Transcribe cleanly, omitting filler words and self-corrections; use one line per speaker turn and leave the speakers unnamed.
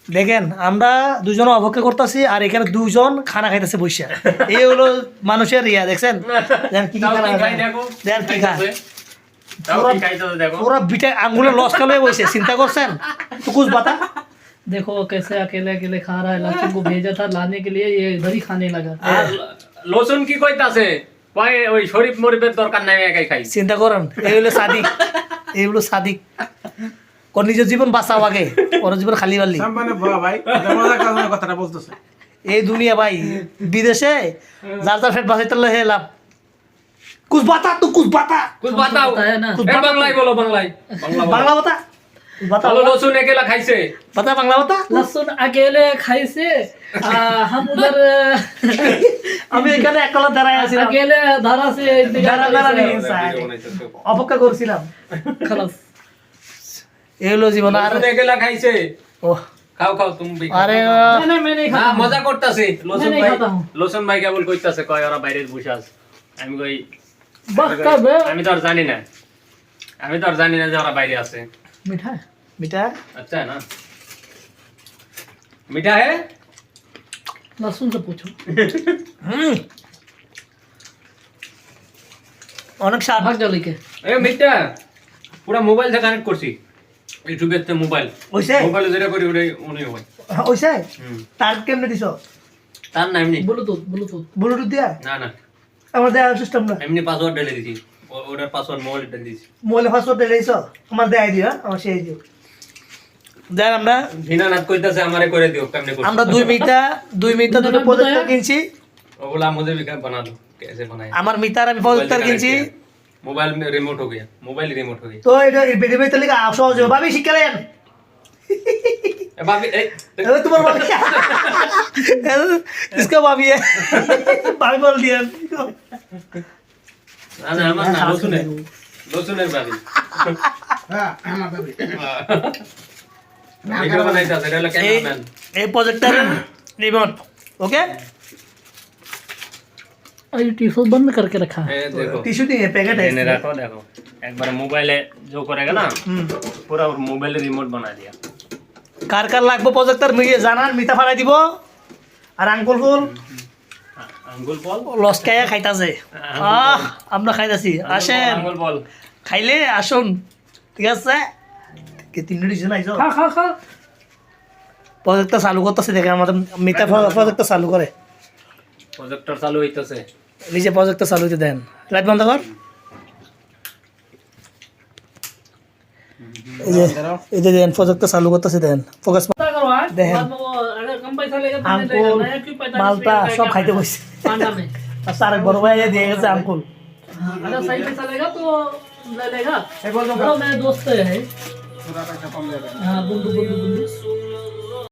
দেখেন আমরা দুজন অপেক্ষা করতেছি আর এখানে দুজন খানা খাইতেছে বসে। এই হলো মানুষের ইয়া, দেখছেন দেখেন কি কি খানা খায়, দেখেন কি খায়। पूरा बिटा आंगुले लॉस कर ले वैसे चिंता करছেন तो कुछ बता।
देखो कैसे अकेले अकेले खा रहा है। लहसुन को भेजा था लाने के लिए, ये इधर ही खाने लगा।
লসুন কি কইতাছে কয় ওই শরীফ মরিবের দরকার নাই, একাই খাই।
চিন্তা করেন এই হলো সাদিক, এই হলো সাদিক। কোন নিজের জীবন বাঁচাও আগে, ওর জীবন খালি বালি
মানে ভাই মজার কারণে কথাটা বলতেছে।
এই দুনিয়া ভাই বিদেশে যার যার ফেট বাঁচাইতে হে লাভ। कुछ बता तू, कुछ बता,
कुछ बताओ
ना।
এ বাংলায় বলো, বাংলায়
बांग्ला बता, बता
বলো। লসুন একেলা খাইছে,
बता बांग्ला बता।
लहसुन अकेले खाई से हम उधर
আমি এখানে একলা দাঁড়ায় আছি,
अकेले धारा से
দাঁড়া নেই অপেক্ষা করছিলাম।
खलास
এই হলো জীবন। আর
লসুন একেলা খাইছে।
ও
খাও খাও তুমি।
আরে
मैं नहीं
না
खाता।
মজা করতেছে। লসুন
नहीं
ভাই,
खाता हूँ।
লসুন ভাই কেবল কইতাছে কয় ওরা বাইরে বসে আছে। আমি কই
बस कब
আমি তো আর জানি না, আমি তো আর জানি না যে ওরা বাইরে আছে।
मीठा है।
মিঠা
अच्छा है ना, मीठा है।
लहसुन से पूछो।
অনেক স্বাদ।
भाग जाओ लेके।
এ মিঠা পুরা মোবাইল থেকে কানেক্ট করছি, ইউটিউবের তে মোবাইল
ওইছে
মোবাইলে যেটা করি ওটাই উনি হয়।
ওইছে তার কেমনে দিছো?
তার না এমনি
ब्लूटूथ ब्लूटूथ
ব্লুটুথ দিয়া
না না
আমার দেয়া সিস্টেম না,
এমনি পাসওয়ার্ড ঢেলে দিছি, ওটার পাসওয়ার্ড মোবাইল ঢেলে দিছি।
মোবাইলে পাসওয়ার্ড দিয়েছো আমার দেয় দিও, আমার সেই দিও। দেন আমরা
ভিনানাথ কইতাছে আমারে করে দিও কেমনে করছি।
আমরা 2 মিনিটা দুটো প্রজেক্টর কিনছি।
ওগুলা मुझे भी बना दो, कैसे बनाए।
আমার মিটার আমি প্রজেক্টর কিনছি।
मोबाइल में रिमोट हो गया, मोबाइल रिमोट हो गया।
তো এটা বেরিয়ে বেরিয়ে লিখা সহজ হবে। ভাবি শিখালেন
ए भाभी ए
अरे तुम्हारा भाभी इसका भाभी है, भाभी बोल दिया।
ना ना আমার না লসুনের, লসুনের ভাবি।
হ্যাঁ আমার ভাবি
ভিডিও বানাইতাছে, এটা হলো ক্যামেরাম্যান।
এই প্রজেক্টর রিমোট ওকে।
और ये टिश्यू बंद करके रखा है।
ए देखो
टिश्यू नहीं है, पैकेट है
मैंने रखो, देखो एक बार मोबाइल जो करेगा ना पूरा मोबाइल रिमोट बना दिया।
কার কার লাগবে প্রজেক্টর মিলিয়ে জানান, মিঠা ফাড়াই দিব। আর আঙ্কুল ফুল
আঙ্গুল বল,
লস্কায়া খাইতাছে। আমরা খাইতাছি, আসেন
আঙ্গুল বল
খাইলে আসুন, ঠিক আছে। কে 3 মিনিট জন্য আইছো
खा खा खा।
প্রজেক্টর চালু করতেছে, দেখেন আমাদের মিঠা প্রজেক্টর চালু করে।
প্রজেক্টর চালু হইতাছে,
নিজে প্রজেক্টর চালু হইতে দেন। লাইট বন্ধ কর। এই যে দেন প্রজেক্টর চালু করতেছে, দেন ফোকাস
पता करो आज
देहन।
बाद में वो अगर कम पैसा लेगा तो नहीं
আঙ্কুল
लेगा। नया क्यों 45
মালটা
रुपए का
সব
क्या
খাইতে
फायदा?
বসছে।
पांडा में
আর স্যার বড় ভাই দিয়ে গেছে আঙ্কুল।
अगर सही पैसा लेगा तो ले लेगा।
এই বলতো
चलो मेरे दोस्त है।
পুরা টাকা কম যাবে।
हाँ बुंदू बुंदू बुंदू।